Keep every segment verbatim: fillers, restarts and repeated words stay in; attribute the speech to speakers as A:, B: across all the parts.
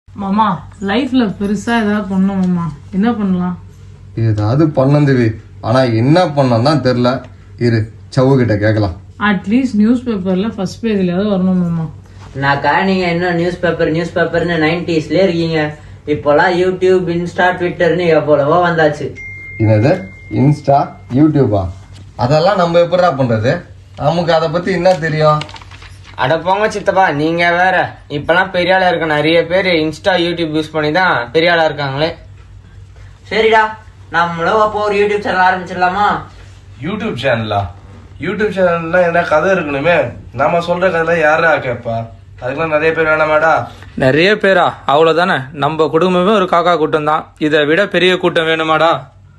A: மாமா லைஃப்ல பெருசா ஏதாவது பண்ணணும் மாமா, என்ன பண்ணலாம்?
B: ஏதாவது பண்ணந்தேவி, ஆனா என்ன பண்ணலாம் தான் தெரியல. இரு சவு கிட்ட கேட்கலாம்.
A: அட்லீஸ்ட் நியூஸ் பேப்பர்ல ஃபர்ஸ்ட் பேஜ்லயாவது வரணும் மாமா.
C: நாக்கா நீங்க என்ன நியூஸ் பேப்பர் நியூஸ் பேப்பர்னு நைன்டிஸ்ல இருக்கீங்க. இப்போலாம் யூடியூப், இன்ஸ்டா, ட்விட்டர்னு எவ்வளவோ வந்தாச்சு.
B: என்னது இன்ஸ்டா, யூடியூபா? அதெல்லாம் நம்ம எப்படிடா பண்றது? நமக்கு அதை பத்தி என்ன தெரியும்?
D: அட போங்க சித்தப்பா, நீங்க வேற. இப்பெல்லாம் பெரிய ஆளா இருக்க நிறைய பேர் இன்ஸ்டா, யூடியூப் யூஸ் பண்ணி தான் பெரிய ஆளா இருக்காங்களே.
C: சரிடா, நம்மளும் அப்போ ஒரு யூடியூப் சேனல் ஆரம்பிச்சிடலாமா?
E: யூடியூப் சேனலா? யூடியூப் சேனல்ல என்ன கதை இருக்கணுமே. நாம சொல்ற கதை யாரா கேட்பா? அதுக்கெல்லாம் நிறைய பேர் வேணாமாடா?
F: நிறைய பேரா? அவ்வளவுதானே, நம்ம குடும்பமே ஒரு காக்கா கூட்டம் தான். இதை விட பெரிய கூட்டம் வேணுமாடா?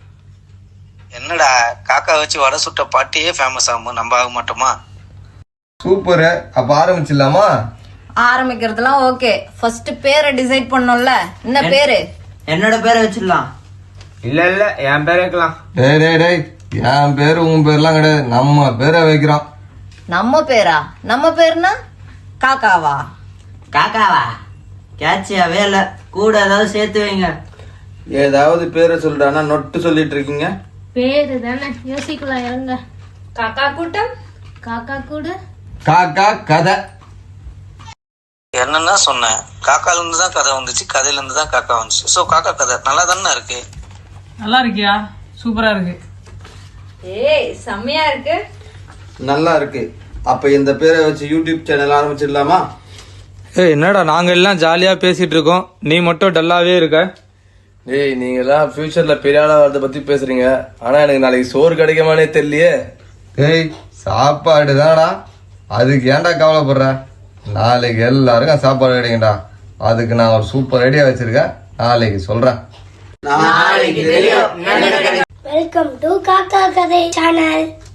G: என்னடா காக்கா வச்சு வடை சுட்ட பாட்டியே ஃபேமஸ் ஆகும், நம்ம ஆக மாட்டோமா?
B: சூப்பரு, அப்ப ஆரம்பிச்சிடலாமா?
H: ஆரம்பிக்கிறதுலாம் ஓகே, ஃபர்ஸ்ட் பேரை டிசைட் பண்ணோம்ல. என்ன பேரு?
C: என்னோட பேரை வச்சிடலாம்.
D: இல்ல இல்ல, என் பேர் வைக்கலாம்.
B: டேய் டேய் டேய், என் பேரு உன் பேர்லாம் கிடையாது, நம்ம பேரை வைக்கிறோம்.
H: நம்ம பேரா? நம்ம பேருனா காக்காவா?
C: காக்காவா? கேட்சியாவே இல்ல, கூட ஏதாவது சேர்த்து வைங்க.
I: ஏதாவது பேரை சொல்றானா நொட்டு சொல்லிட்டு இருக்கீங்க?
J: பேரு தானே, யோசிக்கலாம் இருங்க.
H: காக்கா கூட்டம், காக்கா கூடு,
B: காக்கா கதை.
G: என்னன்னா சொன்னேன், காக்கால இருந்து தான் கதை வந்துச்சு, கதையில இருந்து தான் காக்கா வந்துச்சு. சோ காக்கா கதை நல்லா தானே இருக்கு.
A: நல்லா இருக்கியா? சூப்பரா இருக்கு.
H: ஏய் செம்மையா இருக்கு.
I: நல்லா இருக்கு. அப்ப இந்த பேரை வச்சு யூடியூப் சேனல் ஆரம்பிச்சிடலாமா?
F: ஏ என்னடா, நாங்க எல்லாம் ஜாலியா பேசிட்டு இருக்கோம், நீ மட்டும் டல்லாவே இருக்க.
E: டேய், நீங்க எல்லாம் ஃபியூச்சர்ல பெரிய ஆளா வரத பத்தி பேசுறீங்க, ஆனா எனக்கு நாளைக்கு சோறு கிடைக்குமானே தெரியலையே.
B: டேய் சாப்பாடு தானடா, அதுக்கு ஏன்டா கவலைப்படுற? நாளைக்கு எல்லாருக்கும் சாப்பாடு கிடைக்கும்டா. அதுக்கு நான் ஒரு சூப்பர் ஐடியா வச்சிருக்கேன், நாளைக்கு சொல்றேன்.
J: வெல்கம் டு காக்கா கதை சேனல்.